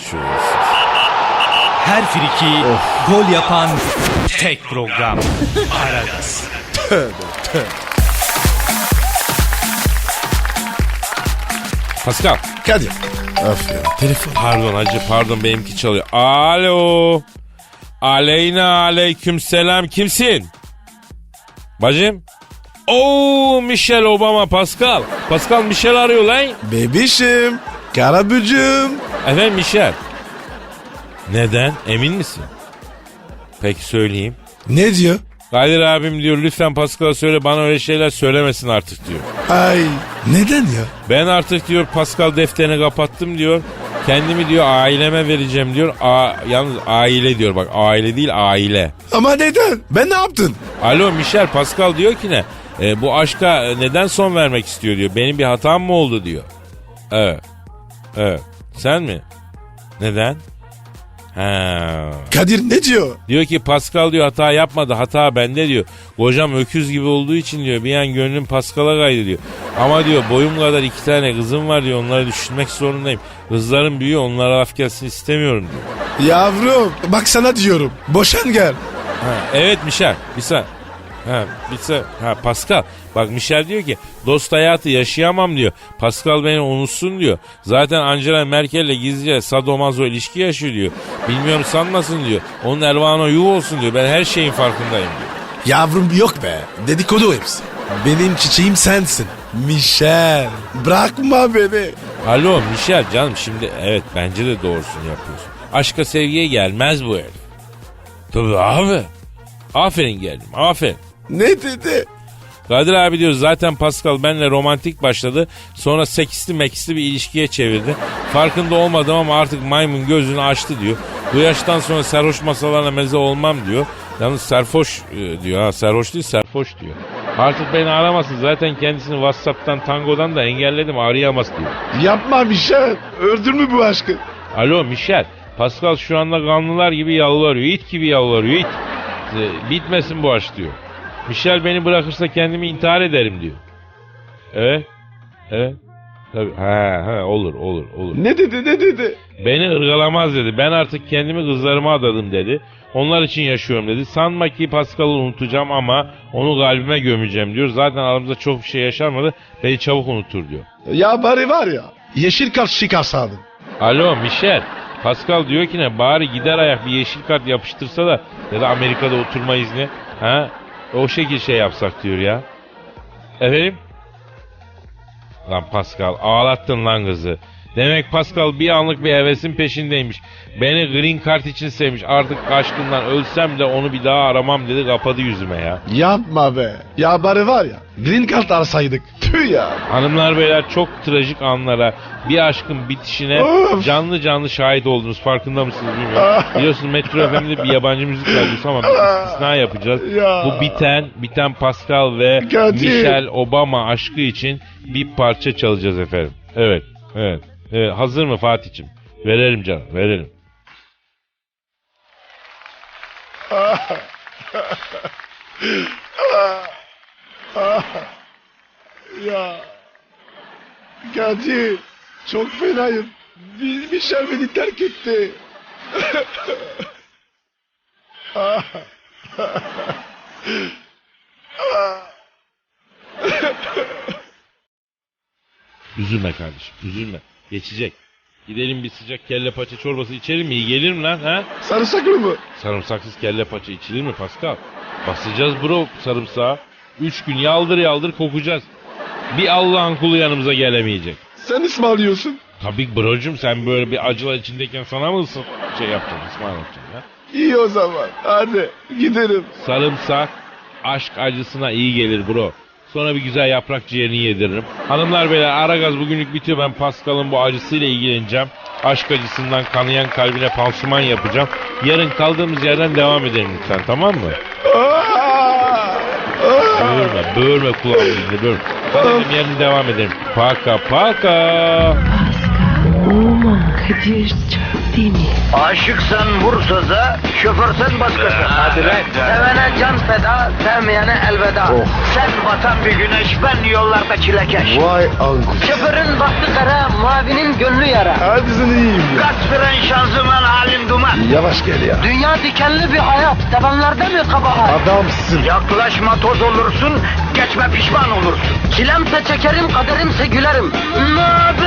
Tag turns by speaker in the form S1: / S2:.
S1: şuursuz.
S2: Her friki gol yapan tek program. Aragaz.
S1: Pascal.
S3: Kadir. Of ya telefon.
S1: Pardon hacı pardon benimki çalıyor. Alo. Aleyna aleyküm selam. Kimsin? Bacım. Oo Michelle Obama Pascal. Pascal Michelle arıyor lan.
S3: Bebişim. Karabücüm.
S1: Efendim Michelle. Neden? Emin misin? Peki söyleyeyim.
S3: Ne diyor?
S1: Kadir abim diyor lütfen Pascal'a söyle bana öyle şeyler söylemesin artık diyor.
S3: Ay neden ya?
S1: Ben artık diyor Pascal defterini kapattım diyor. Kendimi diyor aileme vereceğim diyor. Yalnız aile diyor bak aile değil aile.
S3: Ama neden? Ben ne yaptın?
S1: Alo Michel Pascal diyor ki ne? Bu aşka neden son vermek istiyor diyor. Benim bir hatam mı oldu diyor. Evet. Evet. Sen mi? Neden? Ha.
S3: Kadir ne diyor?
S1: Diyor ki Pascal diyor hata yapmadı. Hata bende diyor. Kocam öküz gibi olduğu için diyor bir an gönlüm Pascal'a kaydı diyor. Ama diyor boyum kadar 2 tane kızım var diyor. Onları düşünmek zorundayım. Kızlarım büyüyor onlara laf gelsin istemiyorum diyor.
S3: Yavrum bak sana diyorum. Boşan gel.
S1: Ha, evet Michel bir saniye. Pascal bak Michel diyor ki dost hayatı yaşayamam diyor. Pascal beni unutsun diyor. Zaten Angela Merkel'le gizlice sadomazo ilişki yaşıyor diyor. Bilmiyorum sanmasın diyor. Onun Elvan'a yuh olsun diyor. Ben her şeyin farkındayım diyor.
S3: Yavrum yok be. Dedikodu hepsi. Benim çiçeğim sensin. Michel. Bırakma beni.
S1: Alo Michel canım şimdi evet bence de doğrusunu yapıyorsun. Aşka sevgiye gelmez bu herif. Tabii abi. Aferin geldim aferin.
S3: Ne dedi?
S1: Kadir abi diyor zaten Pascal benimle romantik başladı. Sonra seksli meksli bir ilişkiye çevirdi. Farkında olmadım ama artık maymun gözünü açtı diyor. Bu yaştan sonra sarhoş masalarına meze olmam diyor. Yalnız serfoş diyor ha sarhoş değil serfoş diyor. Artık beni aramasın zaten kendisini WhatsApp'tan Tango'dan da engelledim arayamaz diyor.
S3: Yapma Michel. Öldürme bu aşkı.
S1: Alo Michel Pascal şu anda kanlılar gibi yalvarıyor it gibi yalvarıyor it. Bitmesin bu aşk diyor. Michel beni bırakırsa kendimi intihar ederim diyor. Evet. Evet. Tabii. Olur.
S3: Ne dedi?
S1: Beni ırgalamaz dedi. Ben artık kendimi kızlarıma adadım dedi. Onlar için yaşıyorum dedi. Sanma ki Pascal'ı unutacağım ama onu kalbime gömeceğim diyor. Zaten aramızda çok bir şey yaşanmadı. Beni çabuk unutur diyor.
S3: Ya bari var ya. Yeşil kart çıkarsaydın.
S1: Alo Michel. Pascal diyor ki ne bari gider ayak bir yeşil kart yapıştırsa da ya da Amerika'da oturma izni. Ha? O şekil şey yapsak diyor ya. Efendim? Lan Pascal ağlattın lan kızı. Demek Pascal bir anlık bir hevesin peşindeymiş. Beni green card için sevmiş. Artık aşkından ölsem de onu bir daha aramam dedi kapadı yüzüme ya.
S3: Yapma be. Ya bari var ya. Green card arsaydık. Tüh ya.
S1: Hanımlar beyler çok trajik anlara bir aşkın bitişine canlı canlı şahit oldunuz. Farkında mısınız bilmiyorum. Biliyorsunuz Metro FM'de bir yabancı müzik radyosu ama bir istisna yapacağız.
S3: Ya.
S1: Bu biten Pascal ve Michelle Obama aşkı için bir parça çalacağız efendim. Evet. Hazır mı Fatih'ciğim? Verelim canım verelim.
S3: Ya. Kadir. Çok fenayım. Michel beni terk etti.
S1: Üzülme kardeşim üzülme. Geçecek. Gidelim bir sıcak kelle paça çorbası içelim mi? İyi gelir mi lan ha?
S3: Sarımsaklı mı?
S1: Sarımsaksız kelle paça içilir mi Pascal? Basacağız bro sarımsağı. 3 gün yaldır kokacağız. Bir Allah'ın kulu yanımıza gelemeyecek.
S3: Sen ısmarlıyorsun.
S1: Tabii brocum sen böyle bir acılar içindeyken sana mı şey yapacaksın ısmarlayacaksın ha?
S3: İyi o zaman. Hadi gidelim.
S1: Sarımsak aşk acısına iyi gelir bro. Sonra bir güzel yaprak ciğerini yediririm. Hanımlar beyler Aragaz bugünlük bitiyor. Ben Pascal'ın bu acısıyla ilgileneceğim. Aşk acısından kanayan kalbine pansuman yapacağım. Yarın kaldığımız yerden devam edelim lütfen tamam mı? Böğürme kulağımı dinle böğürme. Kaldığım yerden devam edelim. Paka.
S4: Pascal, Oman, Kadir, çok miyim?
S5: Aşıksan vursa da, şoförsen başkasın. Hadi lan. Sevene can feda, sevmeyene elveda. Sen batan bir güneş, ben yollarda çilekeş.
S3: Vay anku.
S5: Şoförün baktı kara, mavinin gönlü yara.
S3: Hadi sen iyiyim ya.
S5: Kasperen şanzıman halin duman.
S3: Yavaş gel ya.
S5: Dünya dikenli bir hayat, sevenlerde mi kabahar?
S3: Adamsın.
S5: Yaklaşma toz olursun, geçme pişman olursun. Çilemse çekerim, kaderimse gülerim. Möber!